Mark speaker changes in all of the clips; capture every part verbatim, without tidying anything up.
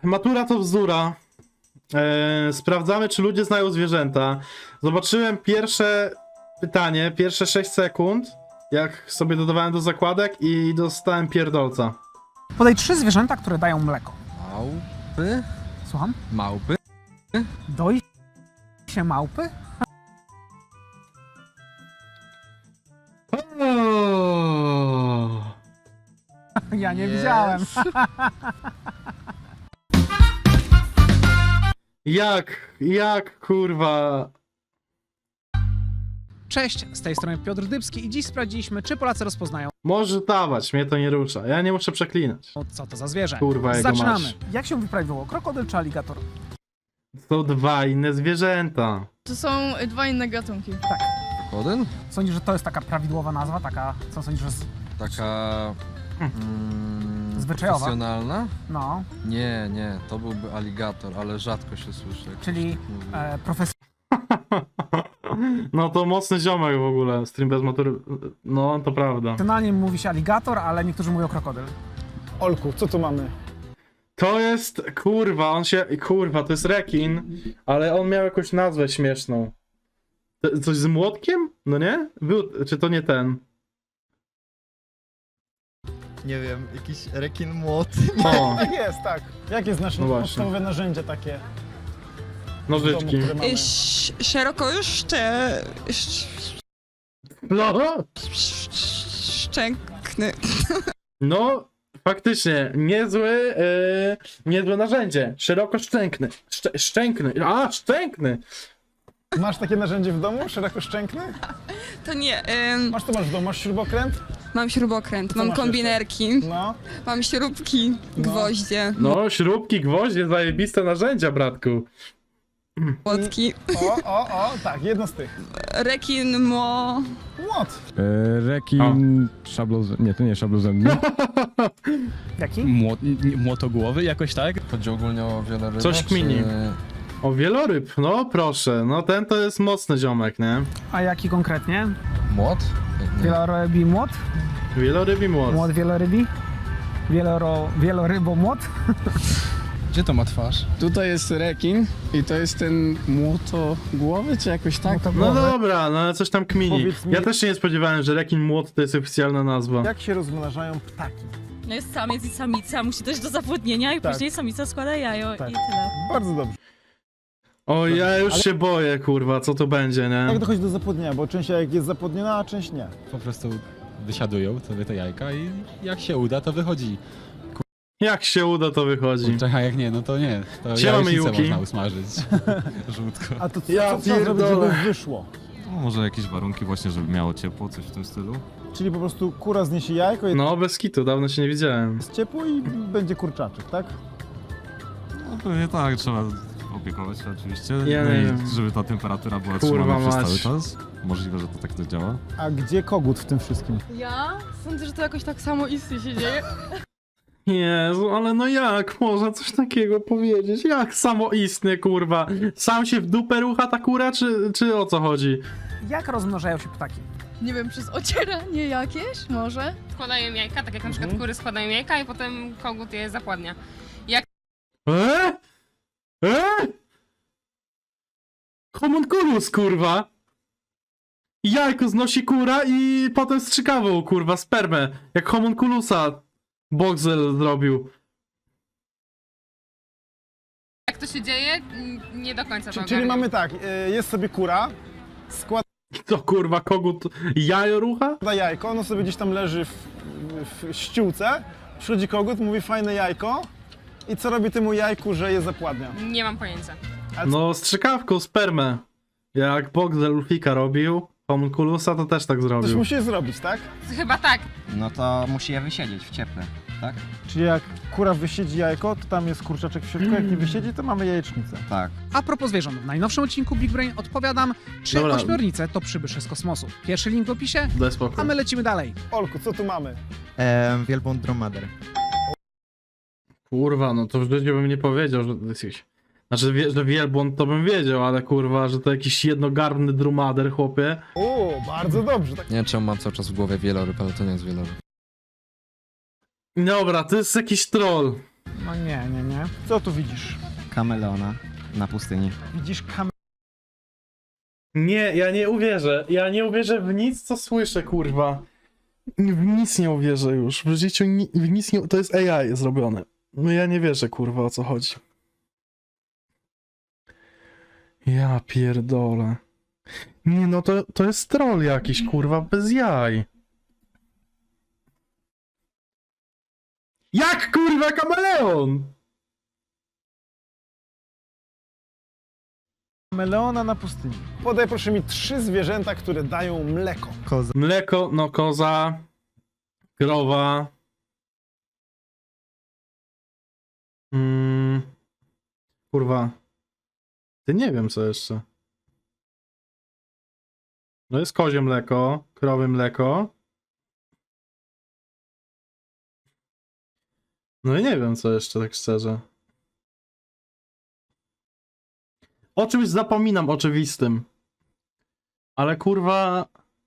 Speaker 1: matura to bzdura. E, sprawdzamy, czy ludzie znają zwierzęta. Zobaczyłem pierwsze pytanie, pierwsze sześć sekund, jak sobie dodawałem do zakładek i dostałem pierdolca.
Speaker 2: Podaj trzy zwierzęta, które dają mleko.
Speaker 3: Małpy?
Speaker 2: Słucham?
Speaker 3: Małpy?
Speaker 2: Doi się małpy?
Speaker 1: O!
Speaker 2: Ja nie
Speaker 3: Yes.
Speaker 2: widziałem.
Speaker 1: Jak, jak, kurwa...
Speaker 2: Cześć, z tej strony Piotr Dybski i dziś sprawdziliśmy, czy Polacy rozpoznają,
Speaker 1: Możesz dawać, mnie to nie rusza. Ja nie muszę przeklinać.
Speaker 2: co to za zwierzę.
Speaker 1: Kurwa, jego
Speaker 2: Zaczynamy.
Speaker 1: masz.
Speaker 2: Jak się wyprawiło? Krokodyl czy aligator?
Speaker 1: To dwa inne zwierzęta.
Speaker 4: To są dwa inne gatunki.
Speaker 3: Krokodyl?
Speaker 2: Sądzisz, że to jest taka prawidłowa nazwa? Taka, co sądzisz, że... jest-
Speaker 3: Taka... Mm,
Speaker 2: Zwyczajowa?
Speaker 3: profesjonalna?
Speaker 2: No,
Speaker 3: Nie, nie, to byłby aligator, ale rzadko się słyszy. jak
Speaker 2: czyli
Speaker 3: ktoś tak mówi.
Speaker 2: e, profesjonalna
Speaker 1: No to mocny ziomek w ogóle, stream bez matury. No, to prawda.
Speaker 2: mówi się aligator, ale niektórzy mówią krokodyl.
Speaker 5: Olku, co tu mamy?
Speaker 1: To jest, kurwa, on się, kurwa, to jest rekin, ale on miał jakąś nazwę śmieszną. To- Coś z młotkiem? No nie? Był, czy to nie ten?
Speaker 6: Nie wiem, jakiś rekin młot.
Speaker 1: O,
Speaker 5: Tak jest, tak. Jakie jest nasze
Speaker 1: No właśnie.
Speaker 5: podstawowe narzędzie takie w domu,
Speaker 1: nożyczki.
Speaker 5: które mamy?
Speaker 7: Ś- szerokoszcze... sz-
Speaker 1: No,
Speaker 7: sz- szczękny.
Speaker 1: no, faktycznie, niezły, yy, niezłe narzędzie. Szeroko szczękny. Szczę, szczękny, a, szczękny!
Speaker 5: Masz takie narzędzie w domu? Szerokoszczękny?
Speaker 7: To nie, ym,
Speaker 5: Masz to masz w domu? Masz śrubokręt?
Speaker 7: mam śrubokręt,
Speaker 5: Co
Speaker 7: mam
Speaker 5: masz
Speaker 7: kombinerki,
Speaker 5: No.
Speaker 7: mam śrubki,
Speaker 5: No.
Speaker 7: gwoździe,
Speaker 1: No, śrubki, gwoździe, zajebiste narzędzia, bratku.
Speaker 7: młotki,
Speaker 5: O, o, o, tak, jedno z tych.
Speaker 7: rekin, mo...
Speaker 5: Młot.
Speaker 8: E, rekin, szablozem, nie, to nie szablozębny.
Speaker 2: Jaki?
Speaker 9: Młot, nie- młotogłowy jakoś tak?
Speaker 3: Chodzi ogólnie o wieloryby?
Speaker 1: Coś kmini.
Speaker 3: Czy...
Speaker 1: O, wieloryb, no proszę, no ten to jest mocny ziomek, nie?
Speaker 2: A jaki konkretnie?
Speaker 3: Młot? Nie.
Speaker 2: Wielorybi młot?
Speaker 1: Wieloryb i młot.
Speaker 2: Młot wielorybi? Wieloro... Wielorybomłot?
Speaker 9: Gdzie to ma twarz? Tutaj jest rekin i to jest ten młotogłowy, czy jakoś tak?
Speaker 1: No
Speaker 2: Młotogłowy.
Speaker 1: dobra, no ale coś tam kmini.
Speaker 5: Powiedz mi-
Speaker 1: Ja też się nie spodziewałem, że rekin młot to jest oficjalna nazwa.
Speaker 5: Jak się rozmnażają ptaki?
Speaker 10: No jest samiec i samica, musi dojść do zapłodnienia i
Speaker 5: Tak.
Speaker 10: później samica składa jajo
Speaker 5: Tak.
Speaker 10: i tyle.
Speaker 5: Bardzo dobrze.
Speaker 1: O, ja już
Speaker 5: Ale-
Speaker 1: się boję, kurwa, co to będzie, nie?
Speaker 5: Jak dochodzi do zapłodnienia? Bo część jajek jest zapłodniona, a część nie.
Speaker 11: Po prostu wysiadują sobie te jajka i jak się uda, to wychodzi.
Speaker 1: Jak się uda, to wychodzi.
Speaker 11: Kurczę, a jak nie, no to nie. To
Speaker 1: Siema,
Speaker 11: jajecznicę
Speaker 1: Mijuki.
Speaker 11: można usmażyć. Żółtko.
Speaker 5: A to co,
Speaker 1: Ja
Speaker 5: co trzeba zrobić,
Speaker 1: pierdolę.
Speaker 5: żeby wyszło?
Speaker 11: No, może jakieś warunki właśnie, żeby miało ciepło, coś w tym stylu.
Speaker 5: Czyli po prostu kura zniesie jajko, jest
Speaker 1: No, bez kitu, dawno się nie widziałem.
Speaker 5: ciepło i będzie kurczaczek, tak?
Speaker 11: No pewnie tak, trzeba opiekować się oczywiście.
Speaker 1: Ja
Speaker 11: no
Speaker 1: nie
Speaker 11: i
Speaker 1: wiem.
Speaker 11: żeby ta temperatura była
Speaker 1: Kurwa
Speaker 11: trzymana przez
Speaker 1: mać.
Speaker 11: cały czas. Możliwe, że to tak to działa.
Speaker 5: A gdzie kogut w tym wszystkim?
Speaker 4: Ja sądzę, że to jakoś tak samo istnie się dzieje.
Speaker 1: Jezu, ale no jak można coś takiego powiedzieć? Jak samoistny, kurwa? Sam się w dupę rucha ta kura, czy, czy o co chodzi?
Speaker 2: Jak rozmnażają się ptaki?
Speaker 4: Nie wiem, przez ocieranie jakieś może?
Speaker 12: Składają jajka, tak jak na przykład kury składają jajka i potem kogut je zapładnia.
Speaker 1: Eee? Eee? Homunculus, kurwa! Jajko znosi kura i potem strzykawą, kurwa, spermę. Jak homunculusa Boxel zrobił.
Speaker 12: Jak to się dzieje? N- Nie do końca to
Speaker 5: Czyli, czyli
Speaker 12: ogarniam.
Speaker 5: mamy tak, y, jest sobie kura, składa
Speaker 1: To kurwa, kogut jajo rucha?
Speaker 5: jajko, ono sobie gdzieś tam leży w, w ściółce, przychodzi kogut, mówi fajne jajko i co robi temu jajku, że je zapładnia?
Speaker 12: Nie mam pojęcia.
Speaker 1: No, strzykawką spermę. Jak Boxel Ulfika robił, homunculusa to też tak
Speaker 5: Coś
Speaker 1: zrobił.
Speaker 5: musi je zrobić, tak?
Speaker 12: Chyba tak.
Speaker 6: No to musi je wysiedzieć w cieple, tak?
Speaker 5: Czyli jak kura wysiedzi jajko, to tam jest kurczaczek w środku, jak nie wysiedzi, to mamy jajecznicę.
Speaker 6: Tak.
Speaker 2: A propos zwierząt, w najnowszym odcinku Big Brain odpowiadam, czy
Speaker 1: Dobra.
Speaker 2: ośmiornice to przybysze z kosmosu. Pierwszy link w opisie,
Speaker 1: Daj spokój.
Speaker 2: a my lecimy dalej.
Speaker 5: Olku, co tu mamy?
Speaker 6: Eee, wielbłąd dromader.
Speaker 1: Kurwa, no to w życiu bym nie powiedział, że to jest jakiś... Znaczy, wie, że wielbłąd to bym wiedział, ale kurwa, że to jakiś jednogarbny drumader, chłopie.
Speaker 5: O, bardzo dobrze. Tak.
Speaker 3: Nie wiem, czemu mam cały czas w głowie wieloryb, ale to nie jest wieloryb.
Speaker 1: Dobra, to jest jakiś troll.
Speaker 2: No nie, nie, nie.
Speaker 5: Nie? Co tu widzisz?
Speaker 6: Kameleona na pustyni.
Speaker 5: Widzisz kameleona
Speaker 1: Nie, ja nie uwierzę. Ja nie uwierzę w nic, co słyszę, kurwa. W nic nie uwierzę już. W życiu ni w nic nie... To jest A I zrobione. No ja nie wierzę, kurwa, o co chodzi. Ja pierdolę. Nie, no to, to jest troll jakiś, kurwa, bez jaj. Jak, kurwa, kameleon?
Speaker 5: na pustyni. Podaj proszę mi trzy zwierzęta, które dają mleko.
Speaker 6: Koza.
Speaker 1: Mleko, no koza, krowa. Mm, kurwa. Ty nie wiem co jeszcze. No jest kozie mleko, krowy mleko. No i nie wiem co jeszcze, tak szczerze. O czymś zapominam oczywistym. Ale kurwa...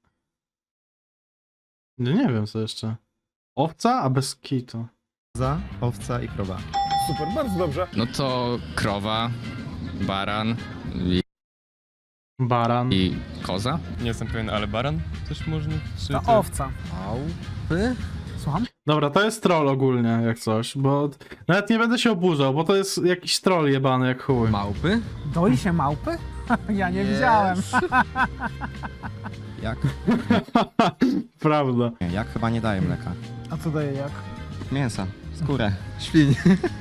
Speaker 1: No nie wiem co jeszcze. Owca? A bez kitu.
Speaker 6: Koza, owca i krowa.
Speaker 5: Super, bardzo dobrze.
Speaker 9: No to krowa, baran i,
Speaker 1: Baran.
Speaker 9: i koza.
Speaker 11: Nie jestem pewien, ale baran też można? Czy
Speaker 2: To owca.
Speaker 3: Małpy?
Speaker 2: Słucham?
Speaker 1: Dobra, to jest troll ogólnie, jak coś, bo nawet nie będę się oburzał, bo to jest jakiś troll jebany jak chuj.
Speaker 3: Małpy?
Speaker 2: Doi się małpy? Ja nie widziałem.
Speaker 6: Jak?
Speaker 1: Prawda.
Speaker 6: Nie, jak chyba nie daje mleka.
Speaker 5: A co daje jak?
Speaker 6: Mięsa, skórę, świń.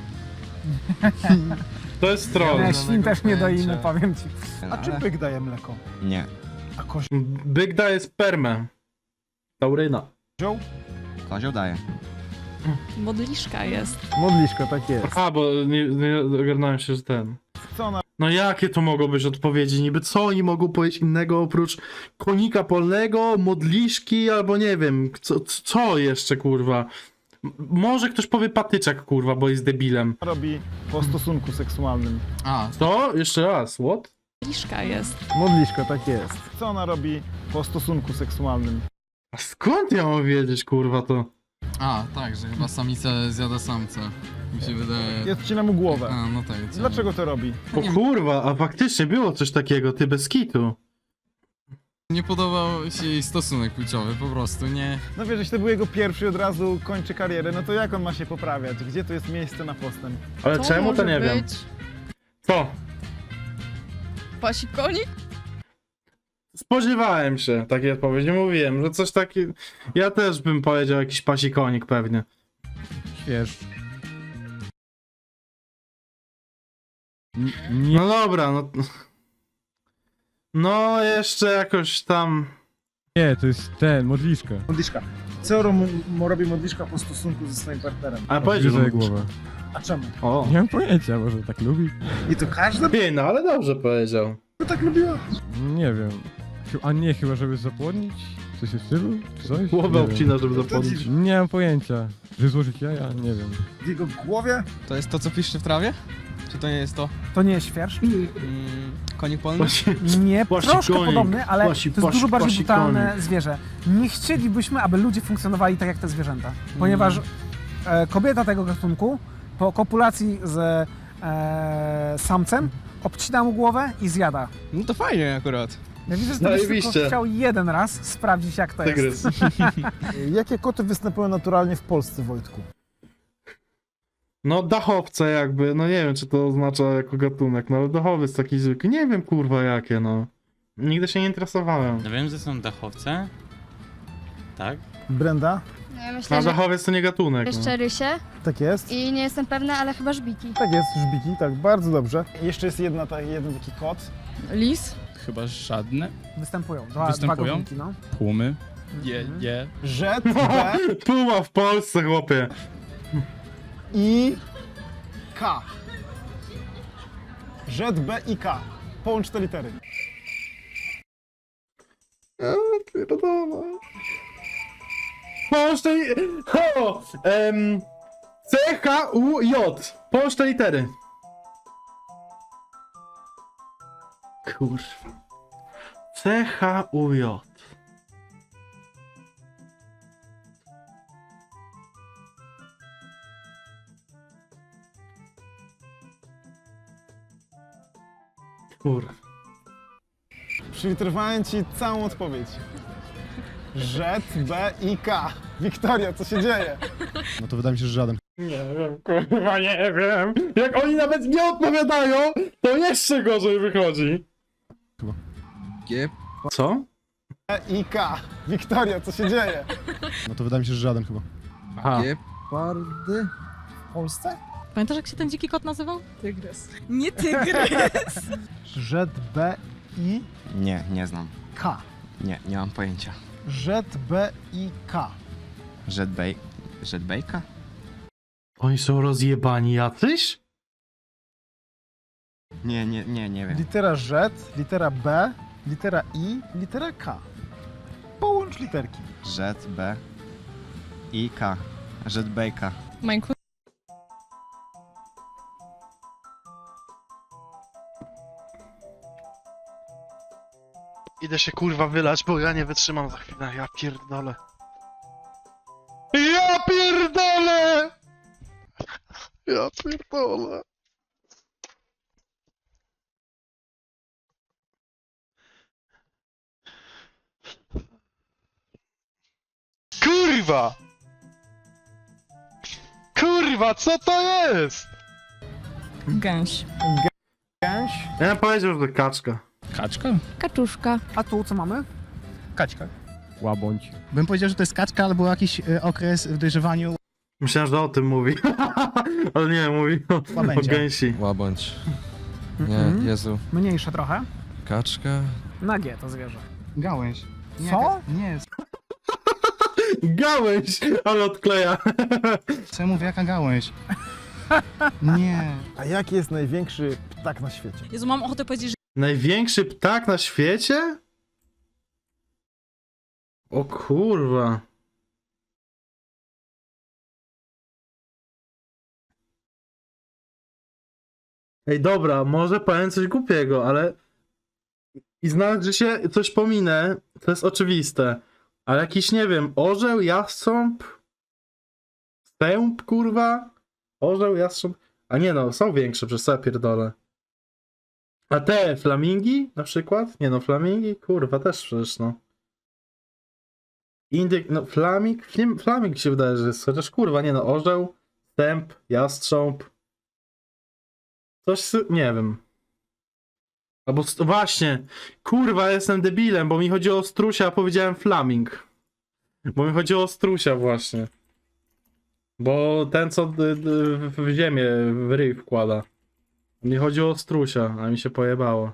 Speaker 1: To jest troll.
Speaker 2: Nie, świn też nie doimy,
Speaker 3: pojęcia.
Speaker 2: powiem ci.
Speaker 5: A czy byk daje mleko?
Speaker 6: Nie.
Speaker 5: A kozioł?
Speaker 1: Byk daje spermę. Tauryna.
Speaker 6: Kozioł daje.
Speaker 10: Modliszka jest.
Speaker 5: Modliszko, tak jest.
Speaker 1: A, bo nie, nie ogarnąłem się, że ten...
Speaker 5: Co ona
Speaker 1: No jakie to mogą być odpowiedzi? Niby co oni mogą powiedzieć innego oprócz konika polnego, modliszki albo nie wiem, co, co jeszcze kurwa? M- Może ktoś powie patyczak kurwa, bo jest debilem.
Speaker 5: robi po stosunku seksualnym?
Speaker 3: A,
Speaker 1: Co? Jeszcze raz, what?
Speaker 10: Modliszka jest.
Speaker 5: Modliszko, tak jest. Co ona robi po stosunku seksualnym?
Speaker 1: A skąd ja mam wiedzieć kurwa to?
Speaker 3: a, tak, że chyba samica zjada samca. Mi się wydaje...
Speaker 5: I odcina mu głowę.
Speaker 3: A, no tak. co-
Speaker 5: Dlaczego to robi?
Speaker 1: O kurwa, a faktycznie było coś takiego, ty bez kitu.
Speaker 3: Nie podobał się jej stosunek płciowy, po prostu, nie...
Speaker 5: No wiesz, jeśli to był jego pierwszy, od razu kończy karierę, no to jak on ma się poprawiać? Gdzie tu jest miejsce na postęp?
Speaker 1: Ale
Speaker 4: To
Speaker 1: czemu to
Speaker 4: może
Speaker 1: nie wiem.
Speaker 4: być
Speaker 1: Co?
Speaker 4: Pasikonik?
Speaker 1: Spodziewałem się takiej odpowiedzi, mówiłem, że coś takiego... Ja też bym powiedział jakiś pasikonik pewnie.
Speaker 8: Wiesz. N- Nie,
Speaker 1: No dobra, no... No jeszcze jakoś tam...
Speaker 8: nie, to jest ten, modliszka.
Speaker 5: Modliszka. Co ro- robi modliszka po stosunku ze swoim partnerem?
Speaker 1: Ale powiedział, że...
Speaker 8: Odgryzaj głowę.
Speaker 5: A czemu?
Speaker 1: O.
Speaker 8: Nie mam pojęcia, może tak lubi?
Speaker 5: I to każda
Speaker 1: Nie, no ale dobrze powiedział.
Speaker 5: by tak lubiła?
Speaker 8: Nie wiem. Chy- A nie, chyba żeby zapłodnić? Coś w stylu? Czy coś?
Speaker 1: Głowę
Speaker 8: Nie wiem.
Speaker 1: obcina, żeby zapomnieć.
Speaker 8: Nie mam pojęcia. Że złożyć jaja? Nie wiem.
Speaker 5: W jego głowie?
Speaker 9: To jest to, co piszczy w trawie? Czy to nie jest to?
Speaker 2: To nie jest świerszcz?
Speaker 9: Mm, konik polny?
Speaker 1: Właśnie...
Speaker 2: Nie,
Speaker 1: Płasi
Speaker 2: troszkę
Speaker 1: konik.
Speaker 2: podobny, ale
Speaker 1: Płasi,
Speaker 2: to jest
Speaker 1: płasi,
Speaker 2: dużo bardziej
Speaker 1: płasi
Speaker 2: brutalne
Speaker 1: konik.
Speaker 2: zwierzę. Nie chcielibyśmy, aby ludzie funkcjonowali tak jak te zwierzęta, ponieważ e, kobieta tego gatunku po kopulacji z e, samcem obcina mu głowę i zjada.
Speaker 9: No to fajnie akurat.
Speaker 2: Ja widzę, że to byś tylko
Speaker 1: Zajebiście.
Speaker 2: chciał jeden raz sprawdzić jak to jest.
Speaker 1: Tygrys.
Speaker 5: Jakie koty występują naturalnie w Polsce, Wojtku?
Speaker 1: No dachowce jakby, no nie wiem czy to oznacza jako gatunek, no ale dachowiec taki zwykły, nie wiem kurwa jakie no. Nigdy się nie interesowałem.
Speaker 11: No wiem, że są dachowce. Tak?
Speaker 5: Brenda?
Speaker 4: No ja
Speaker 1: A
Speaker 4: myślę, że
Speaker 1: dachowiec to nie gatunek. No.
Speaker 4: jeszcze rysie
Speaker 5: Tak jest.
Speaker 4: i nie jestem pewna, ale chyba żbiki.
Speaker 5: Tak jest, żbiki, tak, bardzo dobrze. Jeszcze jest jedna, ta, jeden taki kot.
Speaker 4: Lis?
Speaker 9: Chyba żadne.
Speaker 2: Występują. Dwa,
Speaker 9: Występują?
Speaker 2: dwa gatunki, no.
Speaker 9: Tłumy.
Speaker 2: Je,
Speaker 9: je.
Speaker 5: Rzet, B
Speaker 1: Puma w Polsce chłopie.
Speaker 5: i K. Rzet, B i K. Połącz te litery.
Speaker 1: Połącz te... O! Em, C, H, U, J. Połącz te litery. Kurwa. C, H, U, J. Kurwa.
Speaker 5: Przyliterowałem ci całą odpowiedź. Rzet, B i K. Wiktoria, co się dzieje?
Speaker 6: No to wydaje mi się, że żaden.
Speaker 1: Nie wiem, kurwa, nie wiem. Jak oni nawet nie odpowiadają, to jeszcze gorzej wychodzi.
Speaker 3: G.
Speaker 1: Co?
Speaker 5: B i K. Wiktoria, co się dzieje?
Speaker 6: No to wydaje mi się, że żaden chyba.
Speaker 1: Aha.
Speaker 9: Gepardy.
Speaker 2: W Polsce?
Speaker 10: Pamiętasz, jak się ten dziki kot nazywał?
Speaker 2: Tygrys.
Speaker 7: Nie tygrys.
Speaker 5: Rzet, B i
Speaker 6: Nie, nie znam.
Speaker 5: K.
Speaker 6: Nie, nie mam pojęcia.
Speaker 5: Rzet, B i K.
Speaker 6: Jetbay... Jetbayka?
Speaker 1: Oni są rozjebani jacyś?
Speaker 6: Nie, nie, nie, nie wiem.
Speaker 5: Litera Rzet, litera B, litera I, litera K. Połącz literki.
Speaker 6: Jet, B i K. Jetbayka.
Speaker 10: Minecraft.
Speaker 1: Idę się kurwa wylać, bo ja nie wytrzymam za chwilę, ja pierdolę. Ja pierdolę! Ja pierdolę. Kurwa! Kurwa, co to jest?
Speaker 7: Gęś.
Speaker 2: Gęś.
Speaker 1: Ja bym powiedział, że to kaczka.
Speaker 9: Kaczka?
Speaker 4: Kaczuszka.
Speaker 2: A tu co mamy?
Speaker 9: Kaczka.
Speaker 8: Łabądź.
Speaker 9: Bym powiedział, że to jest kaczka albo jakiś e, okres w dojrzewaniu.
Speaker 1: Myślałem, że o tym mówi. Ale nie, mówi o, o
Speaker 9: Łabędzia.
Speaker 1: gęsi.
Speaker 3: Łabądź.
Speaker 2: Mhm.
Speaker 3: Jezu.
Speaker 2: Mniejsze trochę.
Speaker 3: Kaczka.
Speaker 2: Na G to zwierzę.
Speaker 9: Gałęź. Nie,
Speaker 2: Co?
Speaker 9: ka- Nie,
Speaker 1: Gałęź! Ale odkleja.
Speaker 9: co ja mówię, jaka gałęź? Nie.
Speaker 5: A jaki jest największy ptak na świecie?
Speaker 10: Jezu, mam ochotę powiedzieć, że
Speaker 1: Największy ptak na świecie? O kurwa. Ej, dobra, może powiem coś głupiego, ale... I znać, że się coś pominę, to jest oczywiste. Ale jakiś, nie wiem, orzeł, jastrząb? Stęp, kurwa? Orzeł, jastrząb? A nie no, są większe, przez co ja pierdolę. A te flamingi na przykład? Nie no, flamingi, kurwa, też przecież no. Indyk, no flaming, flim, flaming się wydaje, że jest, chociaż kurwa, nie no, orzeł, stęp, jastrząb. Coś, sy- nie wiem. Albo, st- właśnie, kurwa, jestem debilem, bo mi chodziło o strusia, a powiedziałem flaming. Bo mi chodziło o strusia właśnie. Bo ten, co d- d- w ziemię, w ryj wkłada. Mi chodziło o strusia, a mi się pojebało.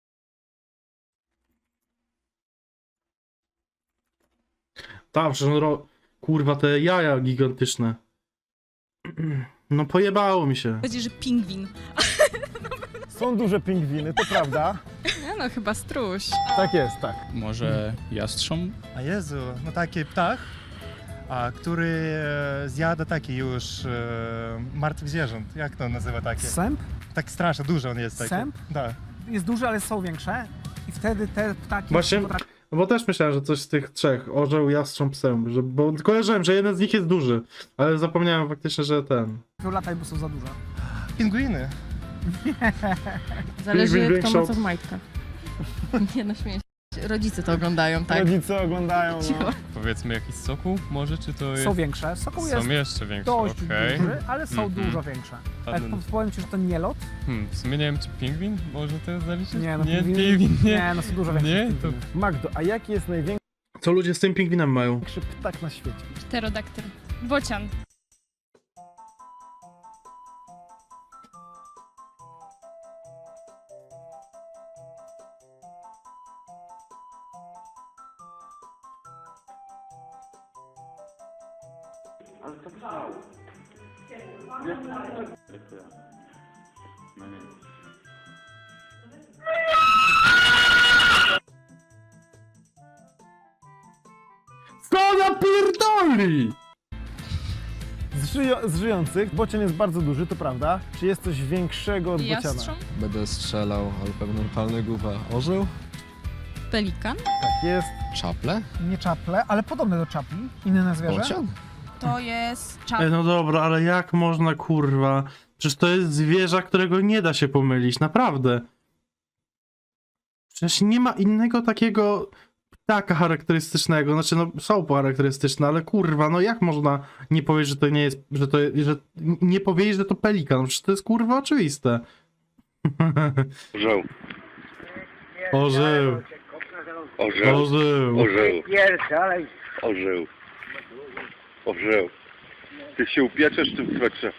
Speaker 1: Tam, przecież on ro... Kurwa, te jaja gigantyczne. No pojebało mi się.
Speaker 10: powiedzieć, że pingwin.
Speaker 5: Są duże pingwiny, to prawda.
Speaker 7: Nie no, chyba struś.
Speaker 5: Tak jest, tak.
Speaker 9: Może jastrząb?
Speaker 6: A Jezu, no taki ptak, a który e, zjada taki już e, martwych zwierząt. Jak to nazywa takie?
Speaker 2: Sęp?
Speaker 6: Tak strasznie duży on jest taki.
Speaker 2: Sęp?
Speaker 6: Tak.
Speaker 2: Jest duży, ale są większe. I wtedy te ptaki...
Speaker 1: Właśnie-
Speaker 2: potrafią-
Speaker 1: No bo też myślałem, że coś z tych trzech, orzeł, jastrząb, sęp, że, bo kojarzyłem, że jeden z nich jest duży, ale zapomniałem faktycznie, że ten.
Speaker 2: latać, bo są za duże.
Speaker 6: Pingwiny.
Speaker 1: Zależy, Pingwin kto ma większą- co w
Speaker 10: majtkach. Nie no, śmieję się. Rodzice to oglądają, tak?
Speaker 5: Rodzice oglądają. No.
Speaker 10: Cicho.
Speaker 8: Powiedzmy jakiś sokół może, czy to
Speaker 2: Są większe. Sokół jest
Speaker 8: jeszcze większe,
Speaker 2: dość duży, ale są
Speaker 8: Mhm.
Speaker 2: dużo większe.
Speaker 8: A
Speaker 2: Ale
Speaker 8: ten-
Speaker 2: powiem ci, że to nie lot.
Speaker 8: Hmm, w sumie nie wiem, czy pingwin może to zaliczyć?
Speaker 2: Nie, no
Speaker 8: nie,
Speaker 2: pingwin-
Speaker 8: pingwin, nie.
Speaker 2: Nie, no są dużo większe.
Speaker 8: Nie,
Speaker 2: niż
Speaker 8: to-
Speaker 2: pingwiny.
Speaker 5: Magdo, a jaki jest największy
Speaker 1: Co ludzie z tym pingwinem mają?
Speaker 5: ptak na świecie?
Speaker 12: Pterodaktyl. Bocian.
Speaker 1: Co na pierdoli?
Speaker 5: Z, żyjo- z żyjących bocian jest bardzo duży, to prawda. Czy jest coś większego od bociana?
Speaker 7: Jastrząb?
Speaker 3: Będę strzelał, ale pewno palny głowa. Orzeł?
Speaker 7: Pelikan?
Speaker 5: Tak jest.
Speaker 3: Czaple?
Speaker 2: Nie czaple, ale podobne do czapli. Inne zwierzę.
Speaker 3: Bocian?
Speaker 7: To jest czap.
Speaker 1: Ej, no dobra, ale jak można, kurwa? Przecież to jest zwierzę, którego nie da się pomylić, naprawdę. Przecież nie ma innego takiego ptaka charakterystycznego. Znaczy, no są charakterystyczne, ale kurwa, no jak można nie powiedzieć, że to nie jest, że to, że nie powiedzieć, że to pelikan? No przecież to jest kurwa oczywiste.
Speaker 13: Orzeł.
Speaker 1: Orzeł.
Speaker 13: Orzeł.
Speaker 1: Orzeł.
Speaker 13: Orzeł. Orzeł. Orzeł. Ty się upieczesz w tym swetrze.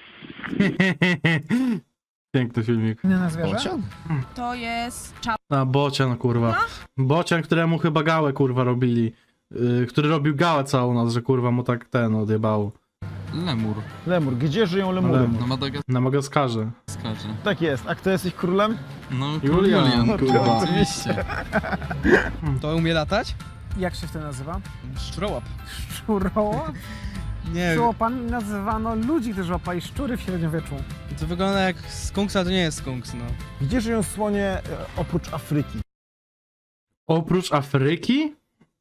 Speaker 1: Piękny filmik.
Speaker 2: Inne na zwierzę?
Speaker 7: To jest czap.
Speaker 1: A, bocian, kurwa. Bocian, któremu chyba gałę, kurwa, robili. Yy, który robił gałę całą nas, że kurwa mu tak ten odjebało.
Speaker 3: Lemur.
Speaker 5: Lemur. Gdzie żyją lemury?
Speaker 1: Lemur.
Speaker 3: Na Madagaskarze.
Speaker 1: Na Magaskarze.
Speaker 5: Tak jest. A kto jest ich królem?
Speaker 3: No,
Speaker 1: Julian,
Speaker 3: Julian,
Speaker 5: kurwa.
Speaker 3: kurwa. Oczywiście.
Speaker 9: To umie latać?
Speaker 2: Jak się wtedy nazywa?
Speaker 9: Szczurołap.
Speaker 2: Szczurołap?
Speaker 9: Nie,
Speaker 2: Szczuropami nazywano ludzi, którzy łapali szczury w średniowieczu.
Speaker 9: to wygląda jak skunks, ale to nie jest skunks, no.
Speaker 5: Gdzie żyją słonie e, oprócz Afryki?
Speaker 1: Oprócz Afryki?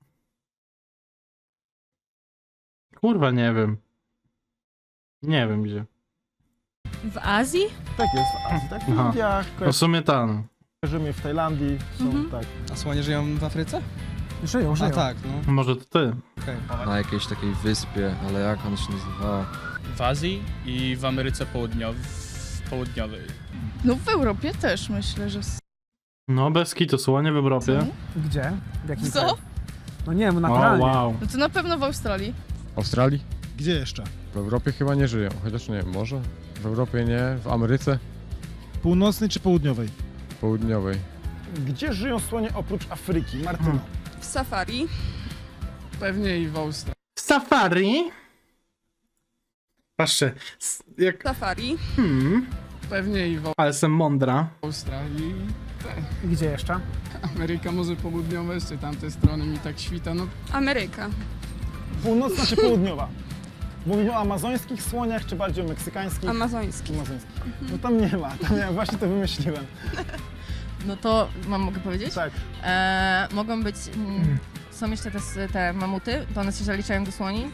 Speaker 1: Kurwa, nie wiem. Nie wiem gdzie.
Speaker 7: W Azji?
Speaker 5: Tak jest, w Azji, tak? W
Speaker 1: Aha.
Speaker 5: Indiach,
Speaker 1: No w sumie tam.
Speaker 5: kojarzymy w Tajlandii, są
Speaker 7: Mhm.
Speaker 5: tak.
Speaker 9: A słonie żyją w Afryce?
Speaker 2: Żyją, żyją.
Speaker 9: A tak, no.
Speaker 1: Może to ty.
Speaker 9: Okej.
Speaker 11: Na jakiejś takiej wyspie, ale jak ona się nazywała?
Speaker 9: W Azji i w Ameryce Południowej. Południowej.
Speaker 7: No w Europie też myślę, że...
Speaker 1: No bez kitu, słonie w Europie.
Speaker 2: Gdzie? W jakim
Speaker 7: Co?
Speaker 2: kraju? No nie wiem,
Speaker 1: O,
Speaker 2: naturalnie.
Speaker 1: wow.
Speaker 7: No to na pewno w Australii.
Speaker 8: W Australii?
Speaker 5: Gdzie jeszcze?
Speaker 8: W Europie chyba nie żyją, chociaż nie wiem, może? W Europie nie, w Ameryce
Speaker 5: Północnej czy południowej?
Speaker 8: Południowej.
Speaker 5: Gdzie żyją słonie oprócz Afryki? Martyno.
Speaker 7: W safari.
Speaker 9: Pewnie i w Australii.
Speaker 1: Safari? Patrzcie, s- jak...
Speaker 7: Safari.
Speaker 1: Hmm,
Speaker 9: Pewnie i w
Speaker 1: ale jestem mądra.
Speaker 9: Australii.
Speaker 2: Gdzie jeszcze?
Speaker 9: Ameryka może południowe, czy tamte strony mi tak świta, no.
Speaker 7: Ameryka.
Speaker 5: Północna czy południowa? Mówimy o amazońskich słoniach, czy bardziej o meksykańskich?
Speaker 7: Amazoński.
Speaker 5: Amazońskich. No tam nie ma, tam ja właśnie to wymyśliłem.
Speaker 10: No to mam, mogę powiedzieć?
Speaker 5: Tak.
Speaker 10: E, mogą być, mm, są jeszcze te, te mamuty, to one się zaliczają do słoni.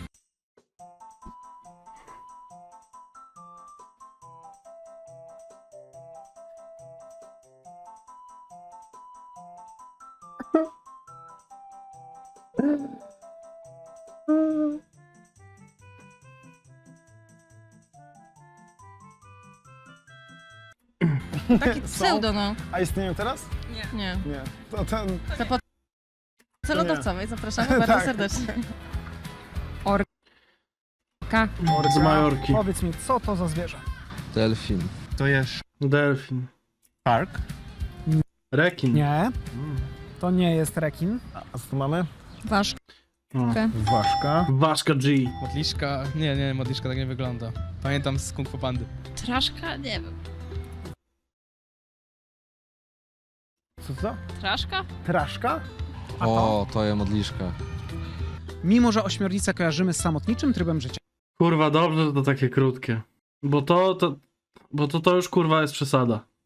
Speaker 10: Taki pseudo, no.
Speaker 5: A istnieją teraz?
Speaker 10: Nie.
Speaker 5: Nie. To ten...
Speaker 10: To po celodowcowej zapraszamy bardzo
Speaker 5: Tak.
Speaker 10: serdecznie.
Speaker 1: Z Majorki.
Speaker 2: Powiedz mi, co to za zwierzę?
Speaker 11: Delfin.
Speaker 6: To jest
Speaker 1: Delfin.
Speaker 6: park.
Speaker 1: Rekin.
Speaker 2: Nie. To nie jest rekin.
Speaker 5: A co tu mamy?
Speaker 7: Ważka.
Speaker 1: O.
Speaker 5: Ważka.
Speaker 1: Ważka G.
Speaker 9: Modliszka, nie, nie, modliszka tak nie wygląda. Pamiętam z Kung Fu Pandy.
Speaker 7: Traszka? Nie wiem.
Speaker 5: Co to?
Speaker 7: Traszka?
Speaker 5: Traszka?
Speaker 2: A to?
Speaker 11: O, to jest modliszka.
Speaker 2: Mimo, że ośmiornicę kojarzymy z samotniczym trybem życia.
Speaker 1: Kurwa, dobrze, że to takie krótkie. Bo to, to, bo to, to już kurwa jest przesada.